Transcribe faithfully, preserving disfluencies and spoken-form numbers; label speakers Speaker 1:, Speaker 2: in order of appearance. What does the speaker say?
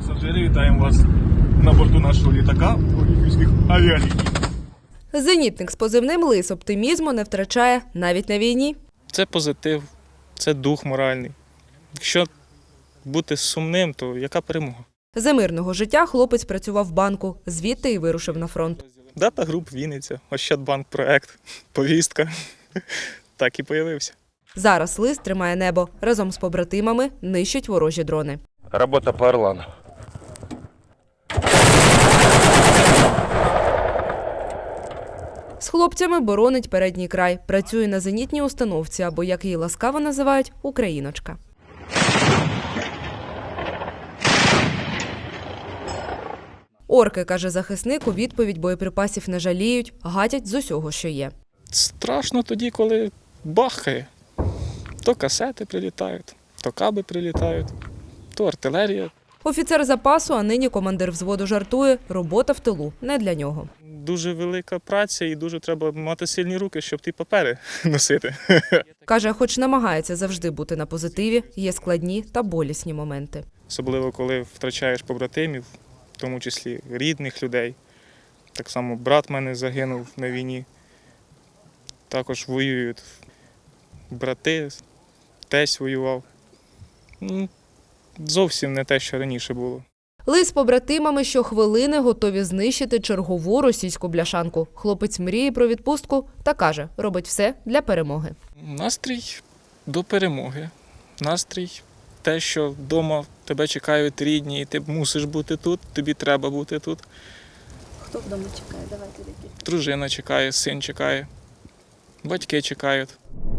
Speaker 1: Пасажири, вітаємо вас на борту нашого літака Олімпійських авіаліній.
Speaker 2: Зенітник з позивним «Лис» оптимізму не втрачає навіть на війні.
Speaker 3: Це позитив, це дух моральний. Якщо бути сумним, то яка перемога?
Speaker 2: За мирного життя хлопець працював в банку, звідти і вирушив на фронт.
Speaker 3: Дата груп Вінниця, Ощадбанк проект, повістка. Так і появився.
Speaker 2: Зараз «Лис» тримає небо. Разом з побратимами нищить ворожі дрони.
Speaker 4: Робота по Орлану.
Speaker 2: З хлопцями боронить передній край. Працює на зенітній установці, або, як її ласкаво називають, «Україночка». Орки, каже захисник, у відповідь боєприпасів не жаліють, гатять з усього, що є.
Speaker 3: Страшно тоді, коли бахкає. То касети прилітають, то каби прилітають, то артилерія.
Speaker 2: Офіцер запасу, а нині командир взводу жартує, робота в тилу не для нього.
Speaker 3: Дуже велика праця і дуже треба мати сильні руки, щоб ті папери носити.
Speaker 2: Каже, хоч намагається завжди бути на позитиві, є складні та болісні моменти.
Speaker 3: Особливо, коли втрачаєш побратимів, в тому числі рідних людей. Так само брат в мене загинув на війні. Також воюють брати, тесть воював. Ну, зовсім не те, що раніше було.
Speaker 2: «Лис» з побратимами щохвилини готові знищити чергову російську бляшанку. Хлопець мріє про відпустку та каже, робить все для перемоги.
Speaker 3: Настрій до перемоги. Настрій те, що вдома тебе чекають рідні, і ти мусиш бути тут, тобі треба бути тут.
Speaker 5: Хто вдома чекає? Давайте такі.
Speaker 3: Дружина чекає, син чекає, батьки чекають.